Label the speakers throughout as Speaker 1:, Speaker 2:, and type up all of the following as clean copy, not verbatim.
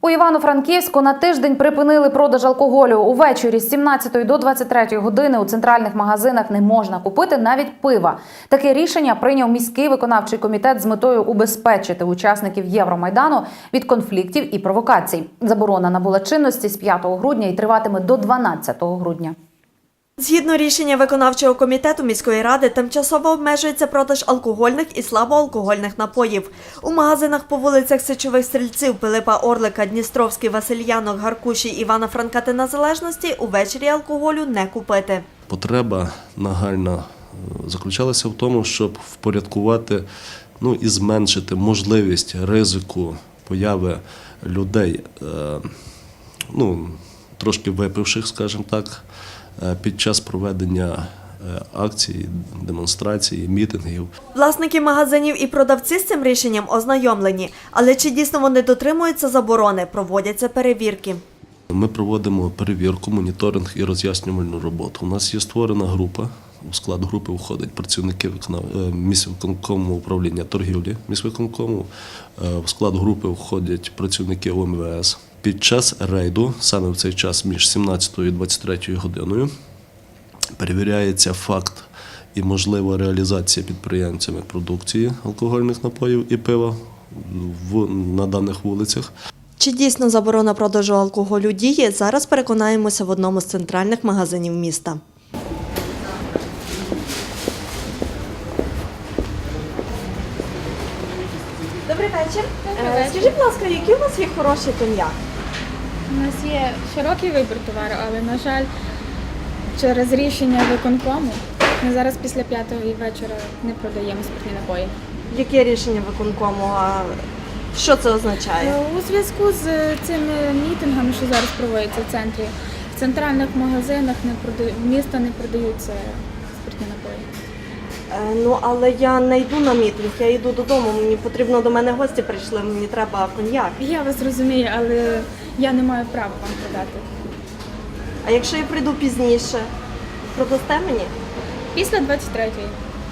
Speaker 1: У Івано-Франківську на тиждень припинили продаж алкоголю. Увечері з 17 до 23 години у центральних магазинах не можна купити навіть пива. Таке рішення прийняв міський виконавчий комітет з метою убезпечити учасників Євромайдану від конфліктів і провокацій. Заборона набула чинності з 5 грудня і триватиме до 12 грудня.
Speaker 2: Згідно рішення виконавчого комітету міської ради, тимчасово обмежується продаж алкогольних і слабоалкогольних напоїв. У магазинах по вулицях Сичових Стрільців, Пилипа Орлика, Дністровський, Васильянок, Гаркуші, Івана Франка та Незалежності увечері алкоголю не купити.
Speaker 3: Потреба нагальна заключалася в тому, щоб впорядкувати і зменшити можливість ризику появи людей, трошки випивших, скажімо так, під час проведення акцій, демонстрацій, мітингів.
Speaker 2: Власники магазинів і продавці з цим рішенням ознайомлені. Але чи дійсно вони дотримуються заборони, проводяться перевірки.
Speaker 3: Ми проводимо перевірку, моніторинг і роз'яснювальну роботу. У нас є створена група. У склад групи входять працівники міськвиконкому управління торгівлі міськвиконкому. В склад групи входять працівники ОМВС. Під час рейду, саме в цей час між 17 і 23 годиною, перевіряється факт і можлива реалізація підприємцями продукції алкогольних напоїв і пива на даних вулицях.
Speaker 2: Чи дійсно заборона продажу алкоголю діє, зараз переконаємося в одному з центральних магазинів міста. Добрий вечір. Скажіть, будь ласка, який у вас є хороший коньяк?
Speaker 4: У нас є широкий вибір товару, але, на жаль, через рішення виконкому ми зараз після 5-ї вечора не продаємо спиртні напої.
Speaker 2: Яке рішення виконкому? Що це означає?
Speaker 4: У зв'язку з цими мітингами, що зараз проводяться в центрі, в центральних магазинах міста не продаються спиртні напої.
Speaker 2: Але я не йду на мітинг, я йду додому, мені потрібно, до мене гості прийшли, мені треба коньяк.
Speaker 4: Я вас розумію, але я не маю права вам продати.
Speaker 2: А якщо я прийду пізніше, продасте мені?
Speaker 4: Після 23-ї.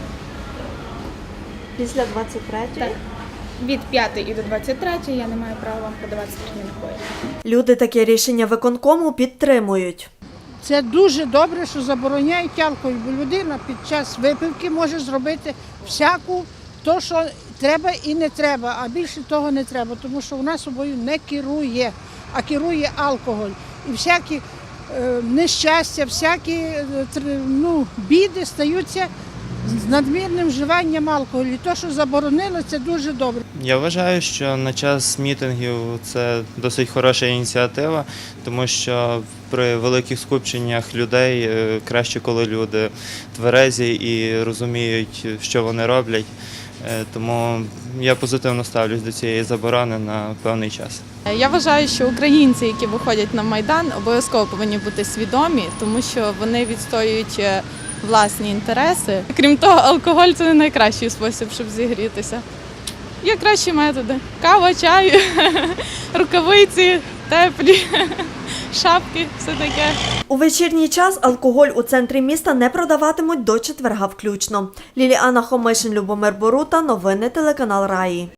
Speaker 2: Після 23-ї?
Speaker 4: Так. Від 5-ї до 23-ї я не маю права вам продавати спиртні напої.
Speaker 2: Люди таке рішення виконкому підтримують.
Speaker 5: Це дуже добре, що забороняють алкоголь, бо людина під час випивки може зробити всяку, то, що треба і не треба, а більше того не треба, тому що вона собою не керує, а керує алкоголь. І всякі нещастя, всякі біди стаються з надмірним вживанням алкоголю. І те, що заборонили, це дуже добре.
Speaker 6: Я вважаю, що на час мітингів це досить хороша ініціатива, тому що при великих скупченнях людей краще, коли люди тверезі і розуміють, що вони роблять. Тому я позитивно ставлюсь до цієї заборони на певний час.
Speaker 7: Я вважаю, що українці, які виходять на Майдан, обов'язково повинні бути свідомі, тому що вони відстоюють власні інтереси. Крім того, алкоголь – це не найкращий спосіб, щоб зігрітися. Є кращі методи. Кава, чай, рукавиці, теплі, шапки, все таке.
Speaker 2: У вечірній час алкоголь у центрі міста не продаватимуть до четверга включно. Ліліана Хомишин, Любомир Борута. Новини телеканал Раї.